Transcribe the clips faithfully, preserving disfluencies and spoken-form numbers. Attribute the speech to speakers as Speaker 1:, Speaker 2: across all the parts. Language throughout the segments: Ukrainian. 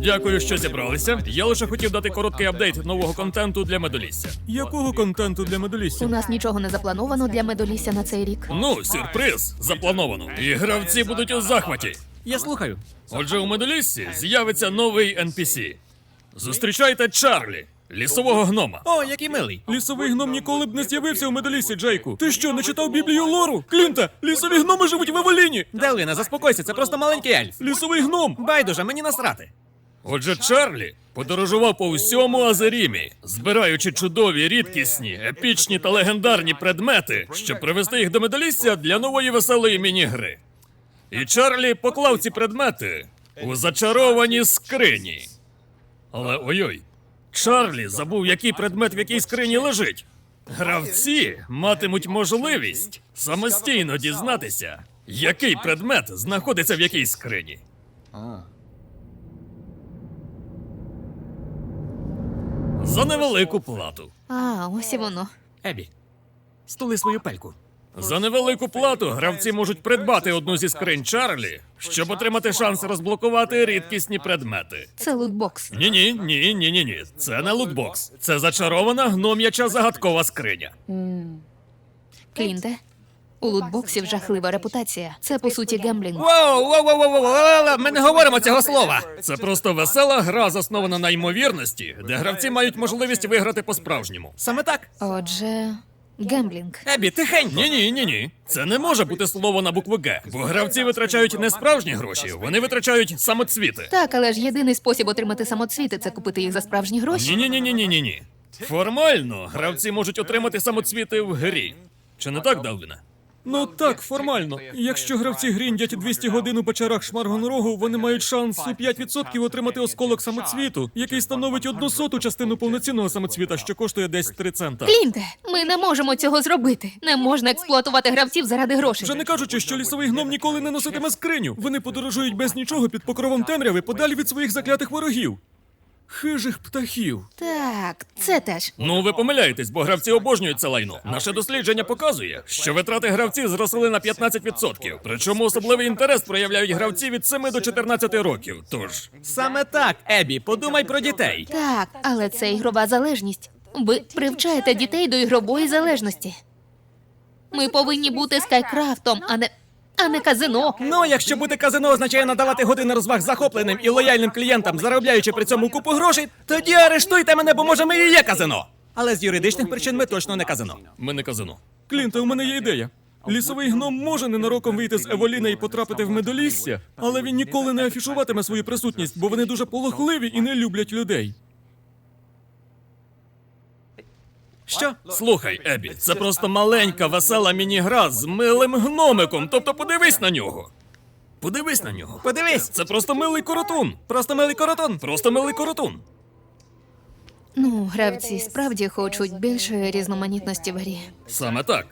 Speaker 1: Дякую, що зібралися. Я лише хотів дати короткий апдейт нового контенту для Медолісся.
Speaker 2: Якого контенту для
Speaker 3: У
Speaker 2: Медолісся?
Speaker 3: нас нічого не заплановано для Медолісся на цей рік.
Speaker 1: Ну, сюрприз заплановано. І гравці будуть у захваті.
Speaker 2: Я слухаю.
Speaker 1: Отже, у Медоліссі з'явиться новий ен пі сі. Зустрічайте Чарлі, лісового гнома.
Speaker 2: О, який милий. Лісовий гном ніколи б не з'явився у Медоліссі, Джейку. Ти що, не читав Біблію Лору? Клінта, лісові гноми живуть в Евеліні.
Speaker 4: Делвіне, заспокойся, це просто маленький ельф.
Speaker 2: Лісовий гном.
Speaker 4: Байдуже, мені насрати.
Speaker 1: Отже, Чарлі подорожував по всьому Азерімі, збираючи чудові, рідкісні, епічні та легендарні предмети, щоб привести їх до Медолісся для нової веселої міні-гри. І Чарлі поклав ці предмети у зачаровані скрині. Але ой-ой, Чарлі забув, який предмет в якій скрині лежить. Гравці матимуть можливість самостійно дізнатися, який предмет знаходиться в якій скрині. За невелику плату.
Speaker 3: А, ось і воно.
Speaker 4: Ебі, стули свою пельку.
Speaker 1: За невелику плату гравці можуть придбати одну зі скринь Чарлі, щоб отримати шанс розблокувати рідкісні предмети.
Speaker 3: Це лутбокс.
Speaker 1: Ні-ні, ні, ні, ні, ні. Це не лутбокс. Це зачарована гном'яча загадкова скриня.
Speaker 3: Клінте, у лутбоксів жахлива репутація. Це, по суті, гемблінг.
Speaker 4: Воу, воу, воу, воу, воу, воу, ми не говоримо цього слова.
Speaker 1: Це просто весела гра, заснована на ймовірності, де гравці мають можливість виграти по-справжньому.
Speaker 4: Саме так.
Speaker 3: Отже, гемблінг.
Speaker 4: Ебі, тихенько.
Speaker 1: Ні, ні, ні, ні. Це не може бути слово на букву Г, бо гравці витрачають не справжні гроші, вони витрачають самоцвіти.
Speaker 3: Так, але ж єдиний спосіб отримати самоцвіти це купити їх за справжні гроші.
Speaker 1: Ні, ні, ні, ні, ні, ні. Формально гравці можуть отримати самоцвіти в грі. Чи не так, Далвіне?
Speaker 2: Ну так, формально. Якщо гравці гріндять двісті годин у печерах Шмаргонрогу, вони мають шанс у п'ять відсотків отримати осколок самоцвіту, який становить одну соту частину повноцінного самоцвіта, що коштує десь три цента.
Speaker 3: Клінте, ми не можемо цього зробити. Не можна експлуатувати гравців заради грошей.
Speaker 2: Вже не кажучи, що лісовий гном ніколи не носитиме скриню. Вони подорожують без нічого під покровом темряви, подалі від своїх заклятих ворогів. Хижих птахів.
Speaker 3: Так, це теж.
Speaker 1: Ну, ви помиляєтесь, бо гравці обожнюють це лайно. Наше дослідження показує, що витрати гравців зросли на п'ятнадцять відсотків. Причому особливий інтерес проявляють гравці від семи до чотирнадцяти років. Тож,
Speaker 4: Саме так, Ебі, подумай про дітей.
Speaker 3: Так, але це ігрова залежність. Ви привчаєте дітей до ігрової залежності. Ми повинні бути скайкрафтом, а не. а не казино.
Speaker 4: Ну, якщо бути казино означає надавати години розваг захопленим і лояльним клієнтам, заробляючи при цьому купу грошей, тоді арештуйте мене, бо може ми і є казино. Але з юридичних причин ми точно не казино.
Speaker 1: ми не казино.
Speaker 2: Клінте, у мене є ідея. Лісовий гном може ненароком вийти з Еволіна і потрапити в Медолісся, але він ніколи не афішуватиме свою присутність, бо вони дуже полохливі і не люблять людей.
Speaker 4: Що?
Speaker 1: Слухай, Ебі, це просто маленька весела міні-гра з милим гномиком. Тобто подивись на нього. Подивись на нього.
Speaker 4: Подивись,
Speaker 1: Це просто милий коротун.
Speaker 4: просто милий коротун.
Speaker 1: Просто милий коротун.
Speaker 3: Ну, гравці справді хочуть більшої різноманітності в грі.
Speaker 1: Саме так.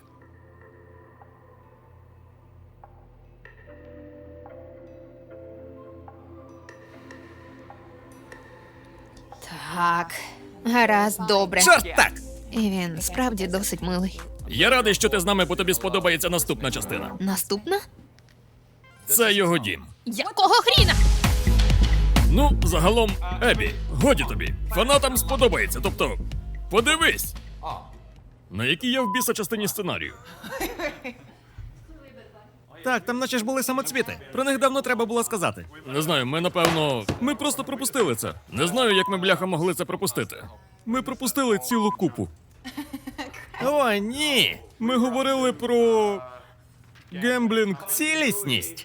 Speaker 3: Так, гаразд, добре.
Speaker 4: Чорт так!
Speaker 3: І він справді досить милий.
Speaker 1: Я радий, що ти з нами, бо тобі сподобається наступна частина.
Speaker 3: Наступна?
Speaker 1: Це його дім.
Speaker 3: Якого хріна?
Speaker 1: Ну, загалом, Ебі, годі тобі. Фанатам сподобається, тобто, подивись. На якій я в біса частині сценарію.
Speaker 4: Так, там наче ж були самоцвіти. Про них давно треба було сказати.
Speaker 1: Не знаю, ми напевно. Ми просто пропустили це. Не знаю, як ми бляха могли це пропустити.
Speaker 2: Ми пропустили цілу купу.
Speaker 4: О, ні!
Speaker 2: Ми говорили про гемблінг.
Speaker 4: Цілісність.